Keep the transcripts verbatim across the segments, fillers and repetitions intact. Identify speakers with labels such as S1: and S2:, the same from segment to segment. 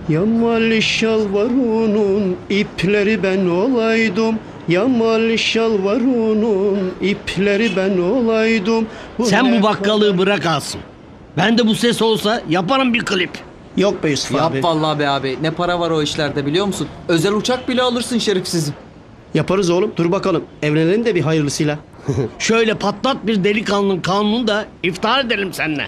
S1: Yamal şalvarının ipleri ben olaydım. Yamal şalvarının ipleri ben olaydım.
S2: Sen bu bakkalığı bırak alsın. Ben de bu ses olsa yaparım bir klip.
S1: Yok be Yusuf
S3: Yap
S1: abi.
S3: vallahi be abi. Ne para var o işlerde biliyor musun? Özel uçak bile alırsın şerefsizim.
S1: Yaparız oğlum. Dur bakalım. Evlenelim de bir hayırlısıyla.
S2: Şöyle patlat bir delikanlının kanunu da iftihar edelim seninle.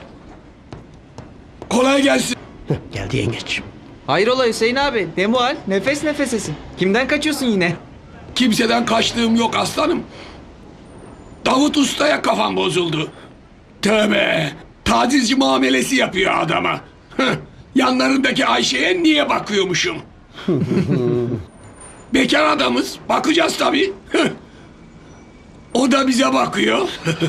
S4: Kolay gelsin.
S1: Geldi yengeç.
S3: Hayrola Hüseyin abi? Demual nefes nefesesin. Kimden kaçıyorsun yine?
S4: Kimseden kaçtığım yok aslanım. Davut Usta'ya kafam bozuldu. Tövbe. Tacizci muamelesi yapıyor adama. Hıh, yanlarındaki Ayşe'ye niye bakıyormuşum? Bekar adamız. Bakacağız tabii. Hıh. O da bize bakıyor.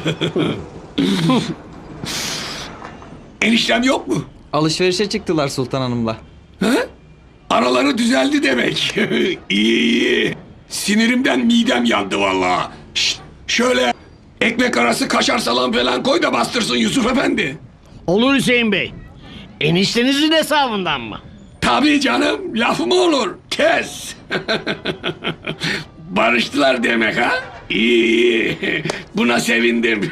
S4: Eniştem yok mu?
S3: Alışverişe çıktılar Sultan Hanım'la.
S4: He? Araları düzeldi demek. İyi iyi. Sinirimden midem yandı vallahi. Şşt, şöyle ekmek arası kaşar salam falan koy da bastırsın Yusuf Efendi.
S2: Olur Hüseyin Bey. Eniştenizin hesabından mı?
S4: Tabii canım, laf mı olur? Kes. Barıştılar demek ha? İyi iyi. Buna sevindim.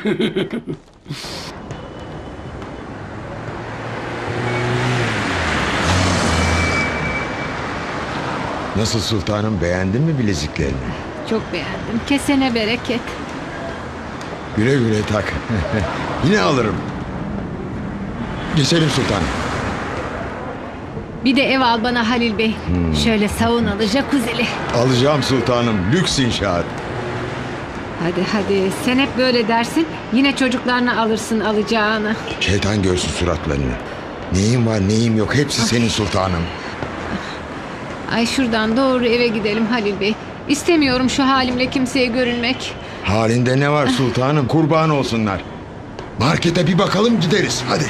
S5: Nasıl sultanım, beğendin mi bileziklerini?
S6: Çok beğendim. Kesene bereket.
S5: Güle güle tak. Yine alırım. Geçelim sultanım.
S6: Bir de ev al bana Halil Bey. Şöyle saunalı, jacuzzi'li.
S5: Alacağım sultanım. Lüks inşaat.
S6: Hadi hadi. Sen hep böyle dersin. Yine çocuklarına alırsın alacağını.
S5: Şeytan görsün suratlarını. Neyim var neyim yok hepsi senin sultanım.
S6: Ay şuradan doğru eve gidelim Halil Bey. İstemiyorum şu halimle kimseye görünmek.
S5: Halinde ne var sultanım, kurban olsunlar. Markete bir bakalım gideriz hadi.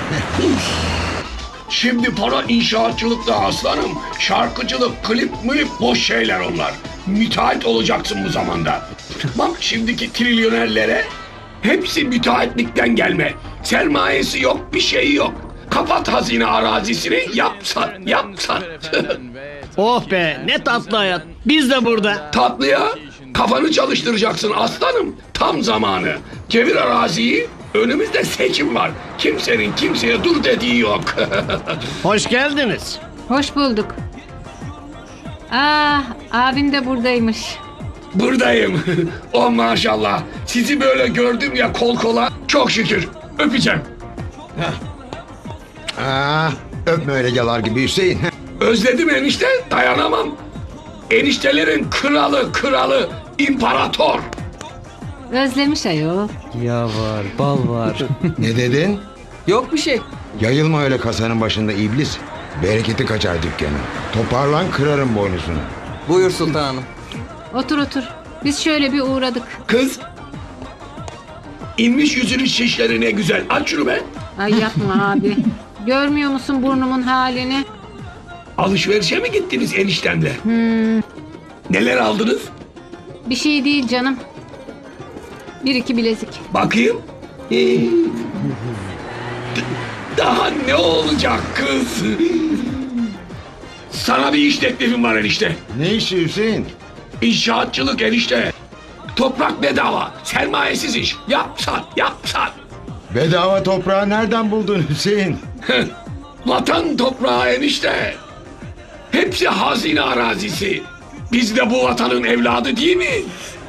S4: Şimdi para inşaatçılıkta aslanım. Şarkıcılık, klip mülip boş şeyler onlar. Müteahhit olacaksın bu zamanda. Bak şimdiki trilyonerlere hepsi müteahhitlikten gelme. Sermayesi yok, bir şey yok. Kapat hazine arazisini, yap sat, yap sat.
S2: Oh be ne tatlı hayat. Biz de burada.
S4: Tatlıya kafanı çalıştıracaksın aslanım. Tam zamanı. Çevir araziyi. Önümüzde seçim var. Kimsenin kimseye dur dediği yok.
S2: Hoş geldiniz.
S6: Hoş bulduk. Ah, abim de buradaymış.
S4: Buradayım. Oh maşallah. Sizi böyle gördüm ya kol kola. Çok şükür. Öpeceğim.
S5: Ah, öpme öyle yalar gibi Hüseyin.
S4: Özledim enişte. Dayanamam. Eniştelerin kralı kralı imparator.
S6: Özlemiş ayol.
S3: Ya var, bal var.
S5: Ne dedin?
S3: Yok bir şey.
S5: Yayılma öyle kasanın başında iblis. Bereketi kaçar dükkanı. Toparlan kırarım boynuzunu.
S3: Buyur Sultan Hanım.
S6: Otur otur. Biz şöyle bir uğradık.
S4: Kız. İnmiş yüzünün şişleri ne güzel. Aç şunu be.
S6: Ay yapma abi. Görmüyor musun burnumun halini?
S4: Alışverişe mi gittiniz eniştemle? Neler aldınız?
S6: Bir şey değil canım. Bir iki bilezik.
S4: Bakayım. Ee, d- Daha ne olacak kız? Sana bir iş teklifim var enişte.
S5: Ne işi Hüseyin?
S4: İnşaatçılık enişte. Toprak bedava. Sermayesiz iş. Yap sat, yap sat.
S5: Bedava toprağı nereden buldun Hüseyin?
S4: Vatan toprağı enişte. Hepsi hazine arazisi. Biz de bu vatanın evladı değil mi?